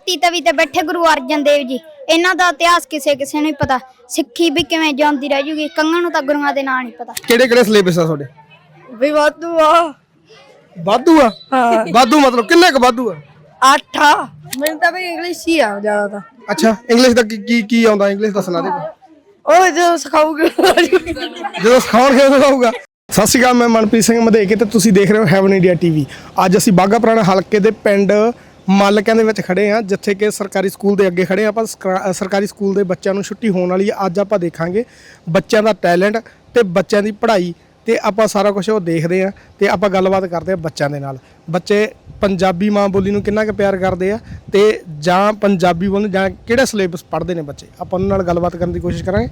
ਧਰਤੀ ਤਵੀ ਤੇ ਬੈਠੇ ਗੁਰੂ ਅਰਜਨ ਦੇਵ ਜੀ, ਇਹਨਾਂ ਦਾ ਇਤਿਹਾਸ ਕਿਸੇ ਕਿਸੇ ਨੂੰ ਨਹੀਂ ਪਤਾ। ਸਿੱਖੀ ਵੀ ਕਿਵੇਂ ਜਿਉਂਦੀ ਰਹਿ ਜੂਗੀ, ਕੰਗਾਂ ਨੂੰ ਤਾਂ ਗੁਰੂਆਂ ਦੇ ਨਾਂ ਨਹੀਂ ਪਤਾ। ਕਿਹੜੇ ਕਿਹੜੇ ਸਿਲੇਬਸ ਆ ਤੁਹਾਡੇ? ਵੀ ਵਾਧੂ ਆ। ਵਾਧੂ ਆ? ਹਾਂ। ਵਾਧੂ ਮਤਲਬ ਕਿੰਨੇ ਕੁ ਵਾਧੂ ਆ? 8 ਆ। ਮੈਨੂੰ ਤਾਂ ਵੀ ਇੰਗਲਿਸ਼ ਹੀ ਆ ਜ਼ਿਆਦਾ ਤਾਂ। ਅੱਛਾ, ਇੰਗਲਿਸ਼ ਦਾ ਕੀ ਆਉਂਦਾ? ਇੰਗਲਿਸ਼ ਦੱਸਣਾ ਦੇ ਉਹ ਜੋ ਸਿਖਾਊਗਾ ਜਦੋਂ ਸਿਖਾਉਣਗੇ ਉਦੋਂ ਆਊਗਾ। ਸਤਿ ਸ਼੍ਰੀ ਅਕਾਲ, ਮੈਂ ਮਨਪ੍ਰੀਤ ਸਿੰਘ ਮਧੇਕੇ ਤੇ ਤੁਸੀਂ ਦੇਖ ਰਹੇ ਹੋ ਹੈਵਨ ਇੰਡੀਆ ਟੀਵੀ। ਅੱਜ ਅਸੀਂ ਬਾਘਾ ਪੁਰਾਣਾ ਹਲਕੇ ਦੇ ਪਿੰਡ ਮਾਲਕਿਆਂ ਦੇ ਵਿੱਚ ਖੜੇ ਹਾਂ, ਜਿੱਥੇ ਕਿ ਸਰਕਾਰੀ ਸਕੂਲ ਦੇ ਅੱਗੇ ਖੜੇ ਆਪਾਂ। ਸਰਕਾਰੀ ਸਕੂਲ ਦੇ ਬੱਚਿਆਂ ਨੂੰ ਛੁੱਟੀ ਹੋਣ ਵਾਲੀ ਹੈ। ਅੱਜ ਆਪਾਂ ਦੇਖਾਂਗੇ ਬੱਚਿਆਂ ਦਾ ਟੈਲੈਂਟ ਤੇ ਬੱਚਿਆਂ ਦੀ ਪੜ੍ਹਾਈ, ਤੇ ਆਪਾਂ ਸਾਰਾ ਕੁਝ ਉਹ ਦੇਖਦੇ ਹਾਂ ਤੇ ਆਪਾਂ ਗੱਲਬਾਤ ਕਰਦੇ ਹਾਂ ਬੱਚਿਆਂ ਦੇ ਨਾਲ। ਬੱਚੇ ਪੰਜਾਬੀ ਮਾਂ ਬੋਲੀ ਨੂੰ ਕਿੰਨਾ ਕੁ ਪਿਆਰ ਕਰਦੇ ਆ ਤੇ ਜਾਂ ਪੰਜਾਬੀ ਬੋਲਣ ਜਾਂ ਕਿਹੜਾ ਸਿਲੇਬਸ ਪੜ੍ਹਦੇ ਨੇ ਬੱਚੇ, ਆਪਾਂ ਉਹਨਾਂ ਨਾਲ ਗੱਲਬਾਤ ਕਰਨ ਦੀ ਕੋਸ਼ਿਸ਼ ਕਰਾਂਗੇ।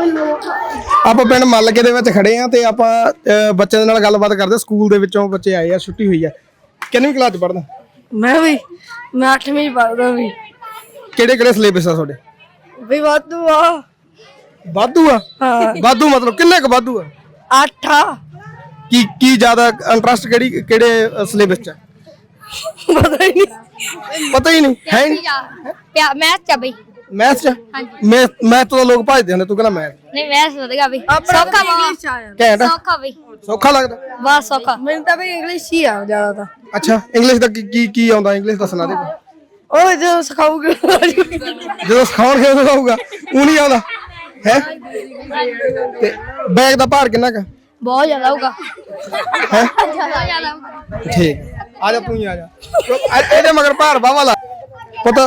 ਆਪਾਂ ਪਿੰਡ ਮਾਲਕੇ ਦੇ ਵਿੱਚ ਖੜੇ ਆ ਤੇ ਆਪਾਂ ਬੱਚਿਆਂ ਦੇ ਨਾਲ ਗੱਲਬਾਤ ਕਰਦੇ। ਸਕੂਲ ਦੇ ਵਿੱਚੋਂ ਬੱਚੇ ਆਏ ਆ, ਛੁੱਟੀ ਹੋਈ ਆ। ਕਿੰਨਵੀਂ ਕਲਾਸ 'ਚ ਪੜ੍ਹਦਾ? ਮੈਂ 8ਵੀਂ ਪੜ੍ਹਦਾ ਵੀ। ਕਿਹੜੇ ਕਿਹੜੇ ਸਿਲੇਬਸ ਆ ਤੁਹਾਡੇ? ਵੀ ਵਾਧੂ ਆ। ਵਾਧੂ ਆ? ਹਾਂ। ਵਾਧੂ ਮਤਲਬ ਕਿੰਨੇ ਕੁ ਵਾਧੂ ਆ? 8 ਆ। ਕੀ ਜ਼ਿਆਦਾ ਇੰਟਰਸਟ ਕਿਹੜੇ ਸਿਲੇਬਸ 'ਚ? ਪਤਾ ਹੀ ਨਹੀਂ। ਪਤਾ ਹੀ ਨਹੀਂ ਹੈ। ਮੈਥ ਚ ਬਈ। ਮੈਥ 'ਚ? ਮੈਥ ਤੋਂ ਲੋਕ ਭੱਜਦੇ ਹੁੰਦੇ, ਤੂੰ ਕਹਿੰਦਾ ਮੈਥ ਨਹੀਂ ਮੈਥ ਵਧਗਾ ਬਈ। ਸੌਖਾ ਇੰਗਲਿਸ਼ ਆ ਯਾਰ। ਘੈਂਟ। ਸੌਖਾ ਬਈ, ਸੌਖਾ ਲੱਗਦਾ? ਬਹੁਤ ਸੌਖਾ। ਮੈਨੂੰ ਤਾਂ ਵੀ ਇੰਗਲਿਸ਼ ਹੀ ਆ ਜ਼ਿਆਦਾ ਤਾਂ। ਅੱਛਾ, ਇੰਗਲਿਸ਼ ਦਾ ਕੀ ਆਉਂਦਾ? ਇੰਗਲਿਸ਼ ਦੱਸਣਾ ਦੇ ਉਹ ਜੋ ਸਿਖਾਊਗਾ ਜਦੋਂ ਸਿਖਾਉਣਗੇ ਉਦੋਂ ਆਊਗਾ। ਉਹ ਨਹੀਂ ਆਉਂਦਾ ਹੈ। ਤੇ ਬੈਗ ਦਾ ਭਾਰ ਕਿੰਨਾ ਕੁ? ਬਹੁਤ ਜ਼ਿਆਦਾ ਹੋਊਗਾ। ਹੈ ਜ਼ਿਆਦਾ। ਠੀਕ, ਆ ਜਾ ਤੂੰ ਹੀ ਆ ਜਾ। ਇਹਦੇ ਮਗਰ ਭਾਰ ਬਾਵਾ ਲਾ। ਪਤਾ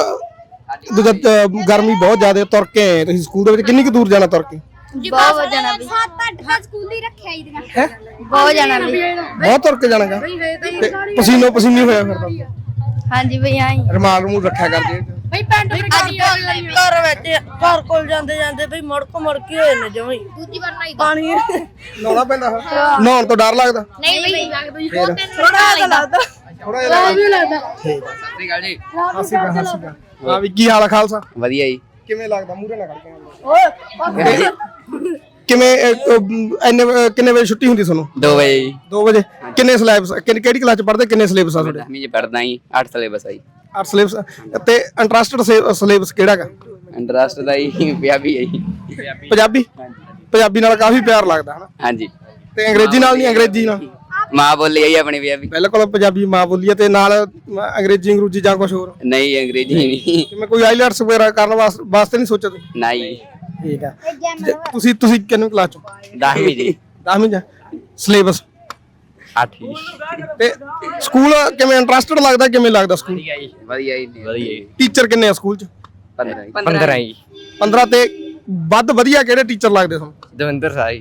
ਗਰਮੀ ਬਹੁਤ ਜ਼ਿਆਦਾ, ਤੁਰ ਕੇ ਆਏ ਤੁਸੀਂ ਸਕੂਲ ਦੇ ਵਿੱਚ। ਕਿੰਨੀ ਕੁ ਦੂਰ ਜਾਣਾ ਤੁਰ ਕੇ? ਬਹੁਤ ਜਾਣਾ ਬਈ। 7-8 ਸਕੂਲ ਦੀ ਰੱਖਿਆ ਹੀ ਦੀਆਂ ਹੈ। ਬਹੁਤ ਜਾਣਾ ਬਈ। ਬਹੁਤ ਤੁਰ ਕੇ ਜਾਣਾਗਾ ਤੇ ਪਸੀਨੋ ਪਸੀਨੀ ਹੋਇਆ ਫਿਰਦਾ। ਹਾਂਜੀ ਬਈ ਆਈ ਰਮਾਲ ਨੂੰ ਰੱਖਿਆ ਕਰਦੇ ਬਈ। ਪੈਂਟ ਘਰ ਵਿੱਚ ਘਰ ਕੋਲ ਜਾਂਦੇ ਬਈ ਮੁੜਕ ਹੋਏ ਨੇ ਜਮਈ। ਦੂਜੀ ਵਾਰ ਨਹੀਂ ਪਾਣੀ ਨਹਾਉਣਾ ਪੈਂਦਾ? ਨਹਾਉਣ ਤੋਂ ਡਰ ਲੱਗਦਾ? ਨਹੀਂ ਬਈ, ਥੋੜਾ ਲੱਗਦਾ। ਥੋੜਾ ਜਿਹਾ ਲੱਗਦਾ। ਠੀਕ ਆ। ਸਤਿ ਸ਼੍ਰੀ ਅਕਾਲ ਜੀ। ਸਤਿ ਸ਼੍ਰੀ ਅਕਾਲ। ਹਾਂ ਵੀ ਕੀ ਹਾਲ ਆ ਖਾਲਸਾ? ਵਧੀਆ ਜੀ। ਕਿਵੇਂ ਲੱਗਦਾ? ਮੂਹਰੇ ਨਾ ਖੜ ਕੇ। ਕਿਵੇਂ ਕਿੰਨੇ ਵਜੇ ਛੁੱਟੀ ਹੁੰਦੀ ਤੁਹਾਨੂੰ? 2 ਵਜੇ ਜੀ। 2 ਵਜੇ। ਕਿੰਨੇ ਸਿਲੇਬਸ, ਕਿਹੜੀ ਕਲਾਸ ਚ ਪੜ੍ਹਦੇ? ਕਿੰਨੇ ਸਿਲੇਬਸ ਆ ਤੁਹਾਡੇ? 10ਵੀਂ ਚ ਪੜਦਾ ਜੀ। 8 ਸਿਲੇਬਸ ਆ ਜੀ। 8 ਸਿਲੇਬਸ। ਤੇ ਇੰਟਰਸਟਡ ਸਿਲੇਬਸ ਕਿਹੜਾ ਹੈਗਾ? ਇੰਟਰਸਟ ਦਾ ਜੀ ਪੰਜਾਬੀ ਹੈ ਜੀ। ਪੰਜਾਬੀ? ਪੰਜਾਬੀ ਨਾਲ ਕਾਫੀ ਪਿਆਰ ਲੱਗਦਾ ਹਨਾ। ਹਾਂਜੀ। ਤੇ ਅੰਗਰੇਜ਼ੀ ਨਾਲ ਨਹੀਂ? ਅੰਗਰੇਜ਼ੀ ਨਾਲ ਮਾਂ ਬੋਲੀ ਹੈ ਜੀ ਆਪਣੀ ਪੰਜਾਬੀ। ਬਿਲਕੁਲ ਪੰਜਾਬੀ ਮਾਂ ਬੋਲੀ ਹੈ, ਤੇ ਨਾਲ ਅੰਗਰੇਜ਼ੀ ਜਾਂ ਕੁਝ ਹੋਰ? ਨਹੀਂ ਅੰਗਰੇਜ਼ੀ ਨਹੀਂ। ਜਿਵੇਂ ਕੋਈ ਆਈਲੈਟਸ ਵਗੈਰਾ ਕਰਨ ਵਾਸਤੇ ਨਹੀਂ ਸੋਚਿਆ ਤੁਸੀਂ? ਨਹੀਂ। ਠੀਕ ਆ। ਤੁਸੀਂ ਕਿੰਨੀ ਕਲਾਸ ਚ? 10ਵੀਂ ਜੀ। 10ਵੀਂ ਚ। ਸਿਲੇਬਸ 8 ਤੇ ਸਕੂਲ ਕਿਵੇਂ ਇੰਟਰਸਟਡ ਲੱਗਦਾ? ਕਿਵੇਂ ਲੱਗਦਾ ਸਕੂਲ? ਵਧੀਆ ਜੀ। ਵਧੀਆ ਜੀ। ਵਧੀਆ ਜੀ। ਟੀਚਰ ਕਿੰਨੇ ਆ ਸਕੂਲ ਚ? 15 ਜੀ। 15 ਤੇ ਵੱਧ ਵਧੀਆ ਕਿਹੜੇ ਟੀਚਰ ਲੱਗਦੇ ਤੁਹਾਨੂੰ? ਦਵਿੰਦਰ ਸਾਈ।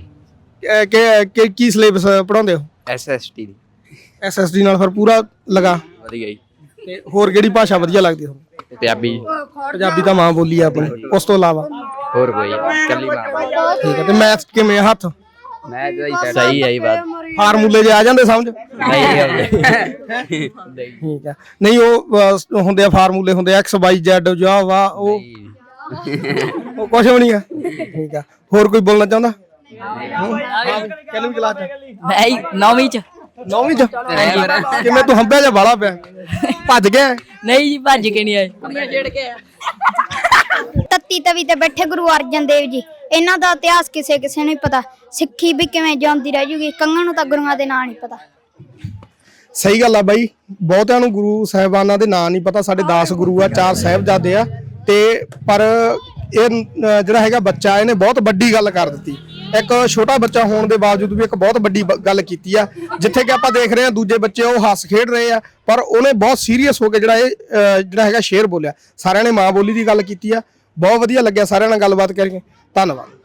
ਕੀ ਸਿਲੇਬਸ ਪੜਾਉਂਦੇ ਹੋ? SST ਦੀ। SSD ਨਾਲ ਫਿਰ ਪੂਰਾ ਲਗਾ। ਵਧੀਆ ਜੀ। ਤੇ ਹੋਰ ਕਿਹੜੀ ਭਾਸ਼ਾ ਵਧੀਆ ਲੱਗਦੀ ਤੁਹਾਨੂੰ? ਪੰਜਾਬੀ। ਪੰਜਾਬੀ ਤਾਂ ਮਾਂ ਬੋਲੀ ਆ ਆਪਣੀ, ਉਸ ਤੋਂ ਇਲਾਵਾ ਹੋਰ ਕੋਈ ਕੱਲੀ ਮਾਂ। ਠੀਕ ਹੈ। ਤੇ ਮੈਥ ਕਿਵੇਂ ਹੱਥ? ਮੈਂ ਤਾਂ ਸਹੀ ਹੈ ਜੀ। ਬਾਤ ਫਾਰਮੂਲੇ ਜੇ ਆ ਜਾਂਦੇ ਸਮਝ? ਨਹੀਂ ਆਉਂਦੇ। ਠੀਕ ਹੈ। ਨਹੀਂ ਉਹ ਹੁੰਦੇ ਆ ਫਾਰਮੂਲੇ, ਹੁੰਦੇ X Y Z ਜਾ ਵਾ, ਉਹ ਕੁਝ ਵੀ ਨਹੀਂ ਆ। ਠੀਕ ਆ। ਹੋਰ ਕੋਈ ਬੋਲਣਾ ਚਾਹੁੰਦਾ? ਕਿੰਨੀ ਕਲਾਸ ਚ? ਮੈਂ 9ਵੀਂ ਚ। 9ਵੀਂ ਚ? ਕਿਵੇਂ ਤੂੰ ਹੰਬਿਆ ਜਾਂ ਬਾਲਾ ਪਿਆ? ਭੱਜ ਗਿਆ? ਨਹੀਂ ਜੀ, ਭੱਜ ਕੇ ਨਹੀਂ ਆਏ। ਤੱਤੀ ਤਵੀ ਤੇ ਬੈਠੇ ਗੁਰੂ ਅਰਜਨ ਦੇਵ ਜੀ, ਇਹਨਾਂ ਦਾ ਇਤਿਹਾਸ ਕਿਸੇ ਕਿਸੇ ਨੂੰ ਨਹੀਂ ਪਤਾ। ਸਿੱਖੀ ਵੀ ਕਿਵੇਂ ਜਿਉਂਦੀ ਰਹਿ ਜੂਗੀ, ਕੰਗਾਂ ਨੂੰ ਤਾਂ ਗੁਰੂਆਂ ਦੇ ਨਾਂ ਨਹੀਂ ਪਤਾ। ਸਹੀ ਗੱਲ ਆ ਬਾਈ, ਬਹੁਤਿਆਂ ਨੂੰ ਗੁਰੂ ਸਾਹਿਬਾਨਾਂ ਦੇ ਨਾਂ ਨਹੀਂ ਪਤਾ। ਸਾਡੇ 10 ਗੁਰੂ ਆ, 4 ਸਾਹਿਬਜ਼ਾਦੇ ਆ, ਤੇ ਪਰ ਇਹ ਜਿਹੜਾ ਹੈਗਾ ਬੱਚਾ, ਇਹਨੇ ਬਹੁਤ ਵੱਡੀ ਗੱਲ ਕਰ ਦਿੱਤੀ। ਇੱਕ ਛੋਟਾ ਬੱਚਾ ਹੋਣ ਦੇ ਬਾਵਜੂਦ ਵੀ ਇੱਕ ਬਹੁਤ ਵੱਡੀ ਗੱਲ ਕੀਤੀ ਆ। ਜਿੱਥੇ ਕਿ ਆਪਾਂ ਦੇਖ ਰਹੇ ਹਾਂ ਦੂਜੇ ਬੱਚੇ ਉਹ ਹੱਸ ਖੇਡ ਰਹੇ ਆ, ਪਰ ਉਹਨੇ ਬਹੁਤ ਸੀਰੀਅਸ ਹੋ ਕੇ ਜਿਹੜਾ ਹੈਗਾ ਸ਼ੇਰ ਬੋਲਿਆ। ਸਾਰਿਆਂ ਨੇ ਮਾਂ ਬੋਲੀ ਦੀ ਗੱਲ ਕੀਤੀ ਆ। ਬਹੁਤ ਵਧੀਆ ਲੱਗਿਆ ਸਾਰਿਆਂ ਨਾਲ ਗੱਲਬਾਤ ਕਰਕੇ। ਧੰਨਵਾਦ।